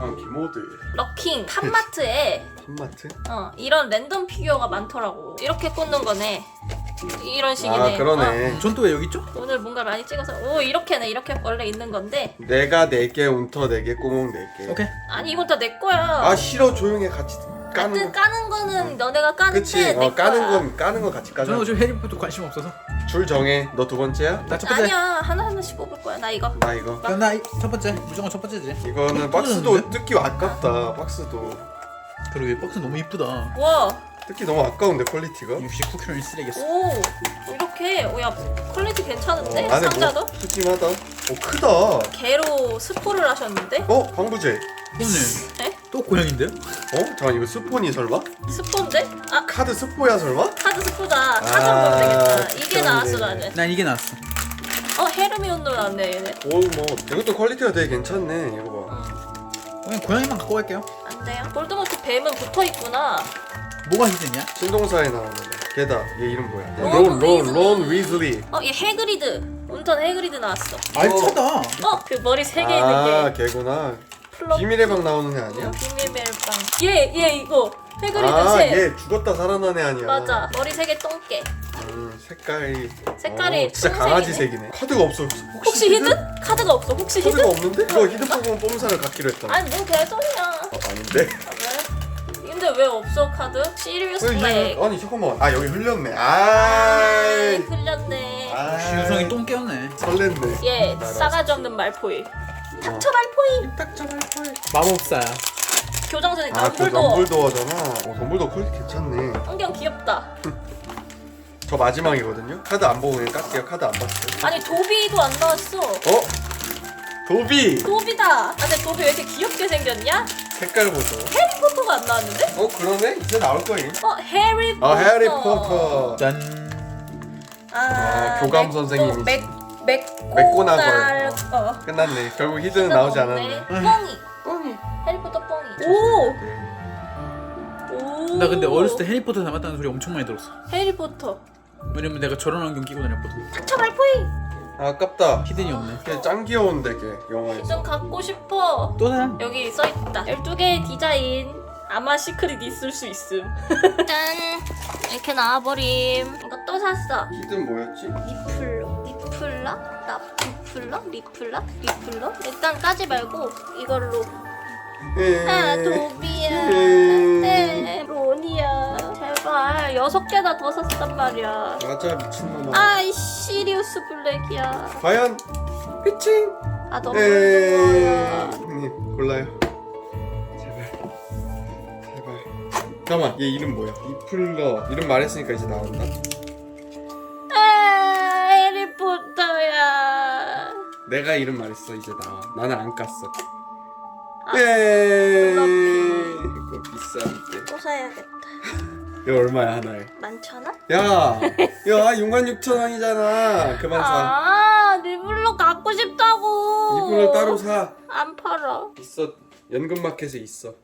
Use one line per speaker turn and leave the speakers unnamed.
기모드.
럭킹 탑마트에
탑마트?
이런 랜덤 피규어가 많더라고. 이렇게 꽂는 거네. 이런 식이네.
아 그러네.
전 또 왜 여기 있죠?
오늘 뭔가 많이 찍어서 오 이렇게네. 이렇게 원래 있는 건데.
내가 4개, 운터 4개, 꾸몽 4개.
오케이.
아니 이건 다 내 거야.
아 싫어, 조용히 해. 같이 까는
하여튼
거.
까는 거는 너네가 까는데
그치.
내 거야.
까는 건 같이 까자.
저는 요즘 해리포터 관심 없어서.
줄 정해. 너 2번째야?
나 첫 번째.
아니야 하나씩 뽑을 거야. 나 이거.
나 이거.
그럼 나 첫 번째. 무조건 첫 번째지.
이거는 박스도 뜯기 아깝다. 박스도
그러게 박스 너무 이쁘다.
와.
뜯기 너무 아까운데 퀄리티가.
69kg는 쓰레기였어.
오 이렇게 오야 퀄리티 괜찮은데
안에
상자도
뭐 푸짐하다. 크다.
개로 스포를 하셨는데
방부제.
오늘
에?
또 고양인데요?
잠깐 이거 스폰이 설마?
스포인데 아
카드 스포야 설마?
카드 스포다 사전 보면 되겠다 이게
그러네.
나왔어 나는
난 이게 나왔어.
헤르미온도 나왔네 얘네
이것도 퀄리티가 되게 괜찮네. 이거 봐.
그냥 고양이만 갖고 갈게요.
안 돼요 볼드모트 뱀은 붙어있구나
뭐가 히든이야?
신동사에 나오는 걔다. 얘 이름 뭐야?
론
위즐리.
얘 해그리드 온턴 해그리드 나왔어
알차다.
그 머리 3개 있는 게
걔구나.
플럭
비밀의 방 나오는 애 아니야?
비밀 멜빵 얘 이거 해그리드 새
얘 죽었다 살아난 애 아니야?
맞아 머리 3개 똥개
색깔이
색깔이
진짜
똥색이네.
강아지 색이네. 카드가 없어.
혹시 히든? 카드가 없어 혹시 히든?
카드가 없는데? 이거 히든 뽑으면 뽐사를 갖기로 했다.
아니 뭔 개소리야
아닌데?
왜? 근데 왜 없어 카드? 시리우스 블랙
아니 잠깐만. 여기 흘렸네.
흘렸네
역시 유성이 똥 깨웠네.
설렜네.
얘 싸가지 없는 말포이 닥쳐 말포이
딱정할 걸.
마법사야.
교장선이
그
덤블도어
덤블도어잖아. 덤블도어 퀄리티 괜찮네.
안경 귀엽다
저 마지막이거든요. 카드 안 보고 그냥 깎게요. 카드 안 봤어요.
아니 도비도 안 나왔어
도비.
도비다 근데 도비 왜 이렇게 귀엽게 생겼냐?
색깔 보죠.
해리포터가 안 나왔는데?
그러네. 이제 나올 거임.
해리포터
해리포터.
짠.
교감 선생님이지.
맥고나걸
끝났네. 결국 히든은 나오지 않았네.
뻥이 해리포터 뻥이 오!
나 근데 어렸을 때 해리포터 닮았다는 소리 엄청 많이 들었어.
해리포터
왜냐면 내가 저런 안경 끼고 다녔거든.
닥쳐 말포이
아깝다.
히든이 없네.
걔 짱 귀여운데 걔 영화에서.
좀 갖고 싶어
또 사람?
여기 써있다 12개의 디자인 아마 시크릿 있을 수 있음 짠 이렇게 나와버림 이거 또 샀어
히든 뭐였지?
리플러? 일단 까지 말고 이걸로 도비야 론이야 제발 6개나 더 샀단 말이야
맞아 미친놈아.
시리우스 블랙이야
과연 피칭.
너무 좋아
형님 골라요. 제발. 잠깐만 얘 이름 뭐야? 리플러. 이름 말했으니까 이제 나온다.
해리포터야
내가 이름 말했어. 이제 나와. 나는 안 깠어. 이거 비싼데.
또 사야겠다
이거 얼마야 하나에?
11,000원?
야 66,000원이잖아. 그만 사.
리블로 갖고 싶다고
이분을 따로 사.
안 팔아
있어. 연금마켓에 있어.